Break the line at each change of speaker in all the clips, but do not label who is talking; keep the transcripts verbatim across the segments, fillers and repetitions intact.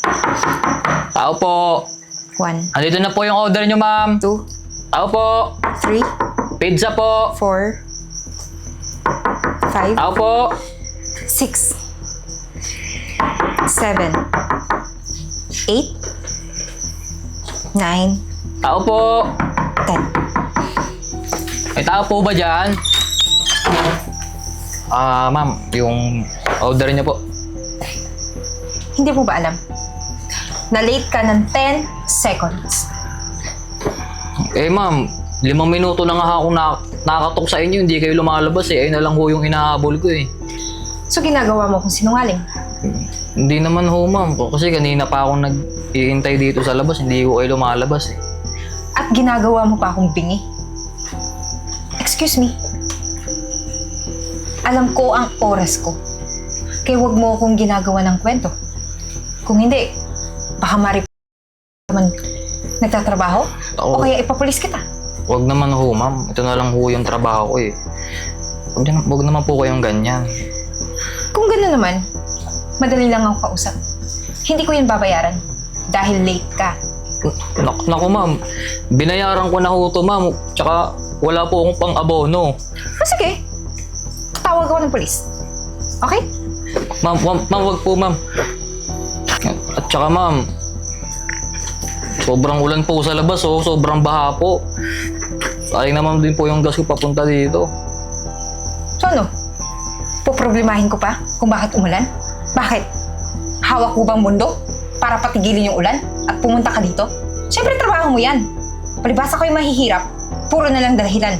Tao po.
One,
Andito na po yung order nyo, ma'am.
two,
Tao po.
three,
Pizza po.
four, five,
Tao po.
six, seven, eight, nine,
Tao po.
ten.
May tao po ba dyan? Ah, ma'am, yung order nyo po.
Hindi mo ba alam? Na-late ka ng ten seconds.
Eh, ma'am, limang minuto na nga ako na nakakatok sa inyo, hindi kayo lumalabas eh. Ayun na lang ho yung inahabol ko eh.
So ginagawa mo kung sinungaling.
Hindi naman ho, ma'am. Kasi kanina pa akong nag-iintay dito sa labas, hindi ko kayo lumalabas eh.
At ginagawa mo pa akong bingi. Excuse me. Alam ko ang oras ko. Kaya huwag mo akong ginagawa ng kwento. Kung hindi, baka marip naman nagtatrabaho
Oo.
o kaya ipapulis kita.
Huwag naman ho, ma'am. Ito na lang ho yung trabaho ko eh. Huwag, na, huwag naman po kayong ganyan.
Kung gano'n naman, madali lang ako kausap. Hindi ko yun babayaran dahil late ka.
Nak naku, ma'am. Binayaran ko na ho to, ma'am. Tsaka wala po akong pang-abono.
O sige, tawag ako ng polis. Okay?
Ma'am, ma'am, ma'am, wag po, ma'am. At tsaka, ma'am, sobrang ulan po sa labas, oh. Sobrang baha po. Sayang naman din po yung gas ko papunta dito.
So ano? Poproblemahin ko pa kung bakit umulan? Bakit? Hawak ko bang mundo para patigilin yung ulan at pumunta ka dito? Siyempre trabaho mo yan. Palibasa ko yung mahihirap, puro na lang dahilan.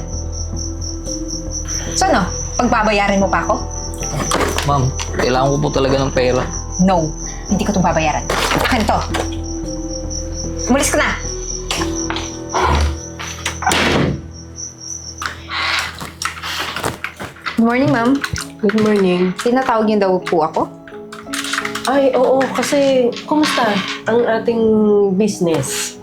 So ano? Pagbabayarin mo pa ako?
Ma'am, kailangan ko po talaga ng pera.
No, hindi ko itong babayaran. Akin to. Umalis ka na! Good morning, ma'am.
Good morning.
Tinatawag niyo daw po ako?
Ay, oo, kasi kumusta ang ating business?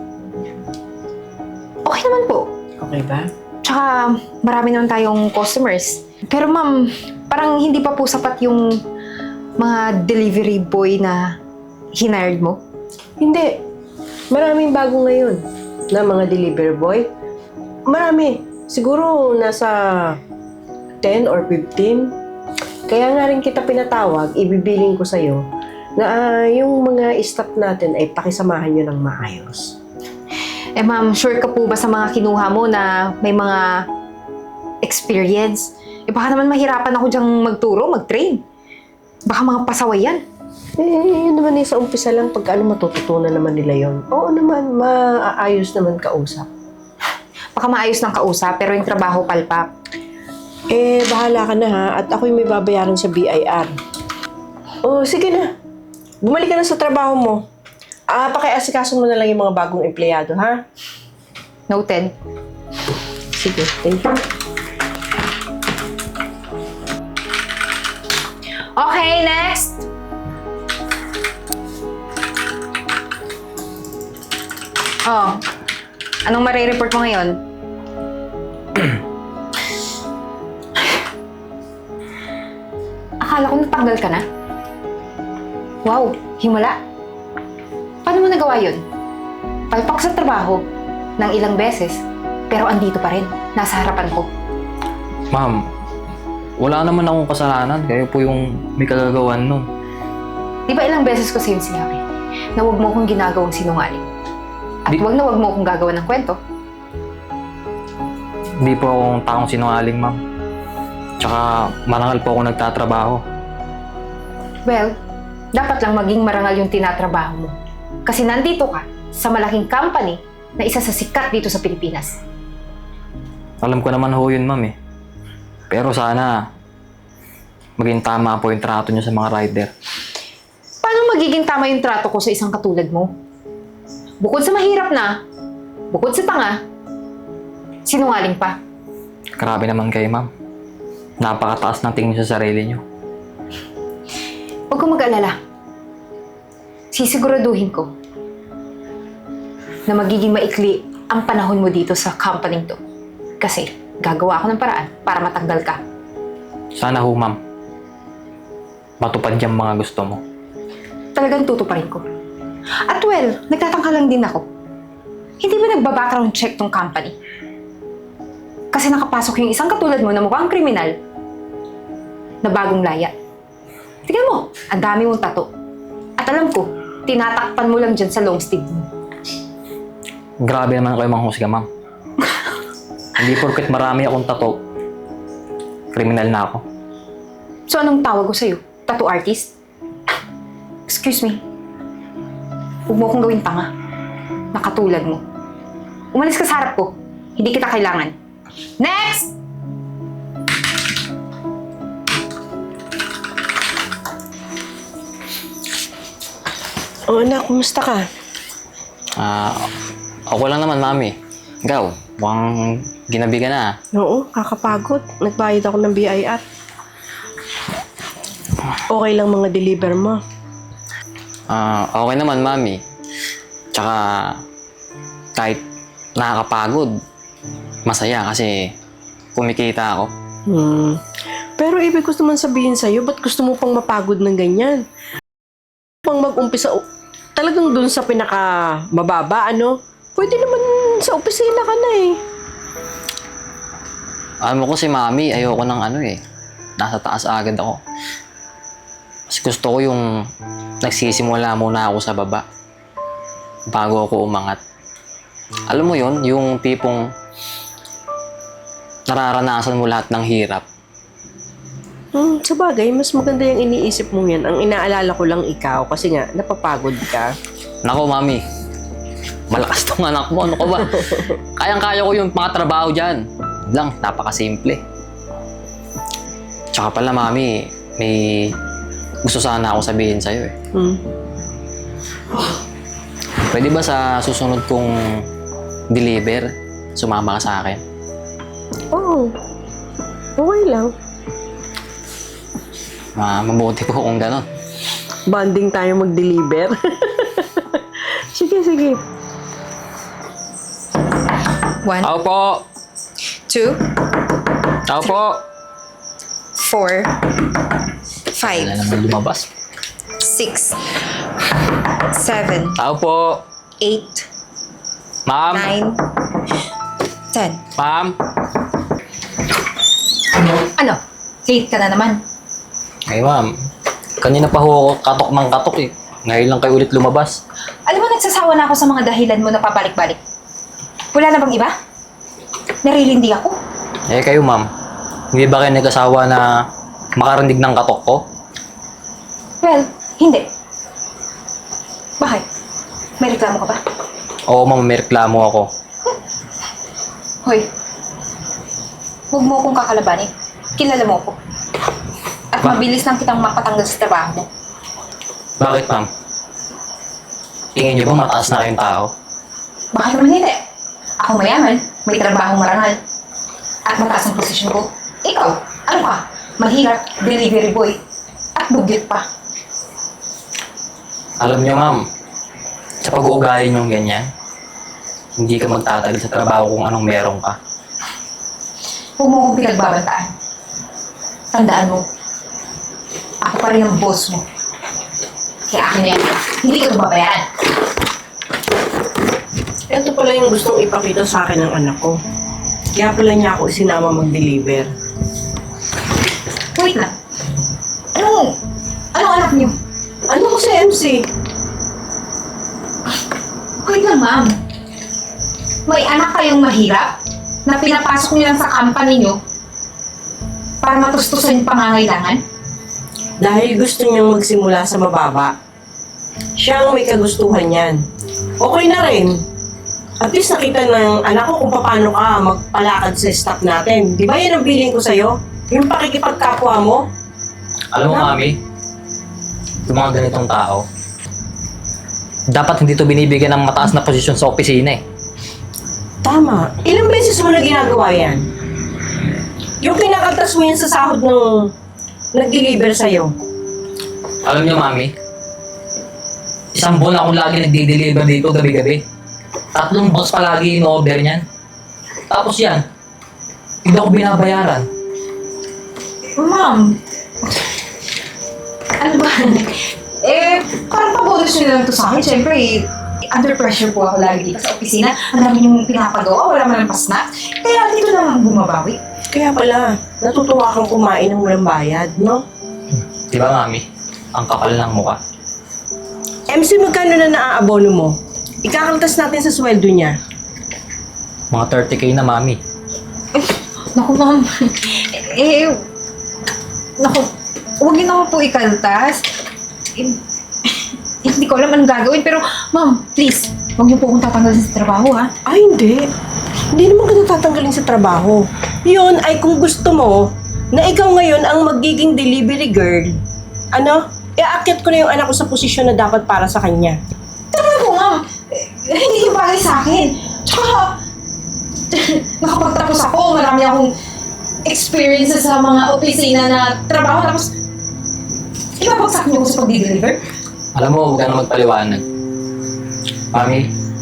Okay naman po.
Okay ba?
Tsaka marami naman tayong customers. Pero ma'am, parang hindi pa po sapat yung mga delivery boy na hinired mo.
Hindi. Maraming bago ngayon na mga delivery boy. Marami. Siguro nasa ten or fifteen. Kaya nga rin kita pinatawag, ibibiling ko sa'yo na uh, yung mga staff natin ay pakisamahan nyo ng maayos.
Eh ma'am, sure ka po ba sa mga kinuha mo na may mga experience? Eh baka naman mahirapan ako dyang magturo, mag-train. Baka mga pasaway yan.
Eh, yun naman eh, sa umpisa lang, pag ano, matututunan naman nila yon. Oo naman, maaayos naman kausap.
Baka maayos ng kausap, pero yung trabaho palpak.
Eh, bahala ka na ha, at ako'y may babayaran sa B I R. Oh, sige na. Bumalik ka na sa trabaho mo. Ah, pakiasikaso mo na lang yung mga bagong empleyado, ha?
Noted.
Sige, thank you.
Okay, next! Oh, anong marireport mo ngayon? Akala ko natanggal ka na. Wow, himala. Paano mo nagawa yun? Palpak sa trabaho ng ilang beses, pero andito pa rin, nasa harapan ko.
Ma'am, wala naman akong kasalanan. Kayo po yung may kagagawan nun.
Di ba ilang beses ko sa'yo sinabi na huwag mo akong ginagawang sinungaling? At
Di-
huwag na huwag mo akong gagawa ng kwento.
Hindi po akong taong sinungaling, ma'am. Tsaka marangal po ako nagtatrabaho.
Well, dapat lang maging marangal yung tinatrabaho mo. Kasi nandito ka sa malaking company na isa sa sikat dito sa Pilipinas.
Alam ko naman ho yun, ma'am eh. Pero sana maging tama po yung trato niyo sa mga rider.
Paano magiging tama yung trato ko sa isang katulad mo? Bukod sa mahirap na, bukod sa tanga, sinungaling pa.
Grabe naman kayo, ma'am. Napakataas ng tingin sa sarili niyo.
Huwag kang mag-alala. Sisiguraduhin ko na magiging maikli ang panahon mo dito sa company to. Kasi gagawa ako ng paraan para matanggal ka.
Sana ho, ma'am. Matupad yung mga gusto mo.
Talagang tutuparin ko. At well, nagtatangka lang din ako. Hindi ba nagbabackground check tong company? Kasi nakapasok yung isang katulad mo na mukhang kriminal na bagong laya. Tingnan mo, ang dami mong tato. At alam ko, tinatakpan mo lang dyan sa long sleeve mo.
Grabe naman kayo manghusga, ma'am. Hindi porket marami akong tato, kriminal na ako.
So anong tawag ko sa'yo? Tattoo artist? Excuse me. Huwag mo akong gawin tanga. Nakatulad mo. Umalis ka sa harap ko. Hindi kita kailangan. Next!
O anak, kumusta ka?
Ah, ako lang naman, mami. Ikaw, mukhang ginabi ka na.
Oo, kakapagod. Nagbayad ako ng B I R. Okay lang mga deliver mo.
Ah, okay naman, mami. Tsaka, kahit nakakapagod, masaya kasi kumikita ako.
Hmm. Pero ibig ko naman sabihin sa'yo, ba't gusto mo pang mapagod ng ganyan? Pang mag-umpisa, o- talagang dun sa pinaka mababa, ano? Pwede naman sa opisina ka na eh.
Alam mo ko si mami, ayoko ng ano eh. Nasa taas agad ako. Mas gusto ko yung nagsisimula muna ako sa baba bago ako umangat. Alam mo yon, yung tipong nararanasan mo lahat ng hirap.
Hmm, sa bagay, mas maganda yung iniisip mo yan. Ang inaalala ko lang ikaw kasi nga, napapagod ka.
Nako, mami. Malakas tong anak mo. Ano ka ba? Kayang-kaya ko yung mga trabaho dyan. Lang, napakasimple. Tsaka pala, mami, may gusto sana ako sabihin sa'yo eh.
Hmm.
Pwede ba sa susunod kong deliver, sumama ka sa akin?
Oo. Okay lang.
Ah, mabuti po kung gano'n.
Bonding tayo mag-deliver. Sige, sige.
One,
Ako po!
two,
Ako po!
four,
Wala
five,
naman lumabas.
six, seven,
Ako po!
eight,
Ma'am!
nine, ten.
Ma'am!
Ano? Late ka na naman.
Ay, ma'am. Kanina pa ho ako katok ng katok eh. Ngayon lang kayo ulit lumabas.
Alam mo, nagsasawa na ako sa mga dahilan mo na pabalik-balik. Wala na bang iba? Narilindi ako.
Eh, kayo, ma'am. Hindi ba kayo nag-asawa na makarinig ng katok ko?
Well, hindi. Bakit? May reklamo ka ba?
Oo, ma'am. May reklamo ako.
Hoy, huwag mo akong kakalabanin. Kilala mo ako. At
Ba-
mabilis lang kitang mapatanggal sa trabaho mo.
Bakit, ma'am? Tingin niyo ba mataas na kayong tao?
Bakit naman hindi? Ako mayaman, may trabahong marangal. At mataas ang posisyon ko. Ikaw, ano ka? Mahirap, delivery boy. At dugyot pa.
Alam niyo, ma'am, sa pag-uugali niyong ganyan, hindi ka magtatagal sa trabaho kung anong meron ka.
Huwag mo akong pinagbabantaan. Tandaan mo, ako pa rin ang boss mo. Kaya akin na yan. Hindi ka ito babayaran.
Ito pala yung gustong ipakita sa akin ng anak ko. Kaya pala niya ako isinama mag-deliver.
Wait lang. Ano? Anong anak niyo?
Ano ko sa M C?
Wait lang, ma'am. May anak kayong mahirap na pinapasok niyo lang sa company niyo para matustusan yung pangangailangan?
Dahil gusto niyang magsimula sa mababa. Siya ang may kagustuhan yan. Okay na rin. At least nakita ng anak ko kung paano ka magpalakad sa staff natin. Di ba yan ang billing ko sa'yo? Yung pakikipagkapwa mo?
Alam mo, mami, yung mga ganitong tao, dapat hindi to binibigyan ng mataas na posisyon sa opisina eh.
Tama. Ilang beses mo na ginagawa yan? Yung kinakaltas mo yan sa sahod ng nag-deliver sa'yo.
Alam niyo, mami, isang buwan akong lagi nagde-deliver dito gabi-gabi. Tatlong box palagi in-order niyan. Tapos yan, hindi ako binabayaran.
Ma'am, ano ba? Eh, parang pa-bonus nyo na lang to sa akin. Siyempre, eh, under pressure po ako lagi dito sa opisina. Ang dami yung pinapagawa, wala man lang pa-snack. Kaya dito na lang bumabawi.
Kaya pala, natutuwa kang kumain ng walang bayad, no?
Di ba, Mami? Ang kapal ng mukha.
M C, magkano na naaabono mo? Ikakaltas natin sa sweldo niya.
Mga thirty K na, Mami.
Naku, ma'am. Eh, naku, huwag niyo naman po ikaltas. Eh, hindi ko alam anong gagawin, pero ma'am, please, huwag niyo po akong tatanggalin sa trabaho, ha?
Ay, hindi. Hindi naman kita tatanggalin sa trabaho. Yun ay kung gusto mo na ikaw ngayon ang magiging delivery girl. Ano? Iaakit ko na yung anak ko sa posisyon na dapat para sa kanya.
Tama po, ma'am. Eh, hindi yung bagay sa akin. Tsaka, nakapagtapos ako, marami akong experiences sa mga opisina na trabaho, tapos ibabagsak niyo ko sa pag-deliver.
Alam mo, huwag ka na magpaliwanag. Mami,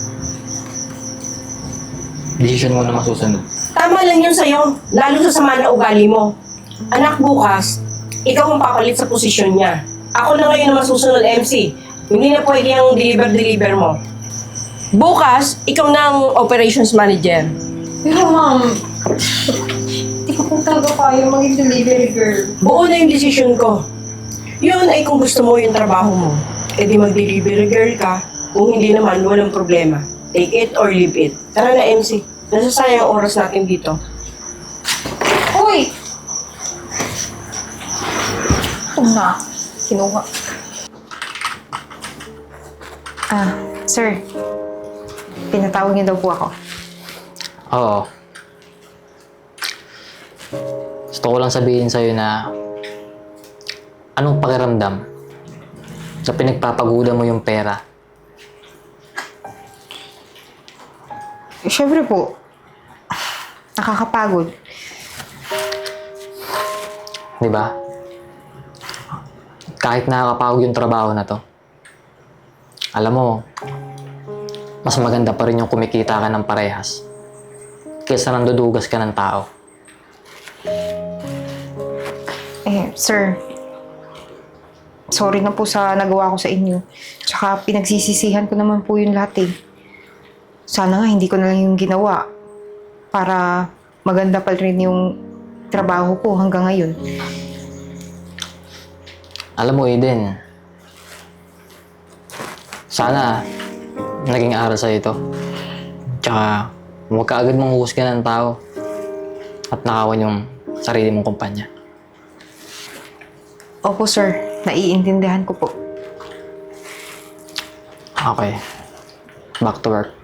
decision mo na masusunod.
Tama lang yun sa'yo, lalo sa sama na ugali mo. Anak, bukas, ikaw ang papalit sa posisyon niya. Ako na ngayon ang masusunod M C. Hindi na pwede ang deliver-deliver mo. Bukas, ikaw na ang operations manager.
Pero ma'am, hindi ko po talaga kaya maging delivery girl.
Buo na yung desisyon ko. Yun ay kung gusto mo yung trabaho mo. E di mag-delivery girl ka. Kung hindi naman, walang problema. Take it or leave it. Tara na M C. Nasasayang ang oras natin dito.
Uy! Ito na. Kinuha. Ah, sir. Pinatawag niyo daw po ako.
Oo. Gusto ko lang sabihin sa'yo na anong pakiramdam na pinagpapagulan mo yung pera.
Siyempre po, nakakapagod.
Di ba? Kahit nakakapagod yung trabaho na to, alam mo, mas maganda pa rin yung kumikita ka ng parehas kaysa nandudugas ka ng tao.
Eh, sir, sorry na po sa nagawa ko sa inyo. Tsaka pinagsisisihan ko naman po yung lahat eh. Sana nga hindi ko na lang yung ginawa para maganda pa rin yung trabaho ko hanggang ngayon.
Alam mo, Eden, sana naging aral sa'yo ito. Tsaka, huwag ka agad manghuhusga ng tao at nakawan yung sarili mong kumpanya.
Opo, sir. Naiintindihan ko po.
Okay. Back to work.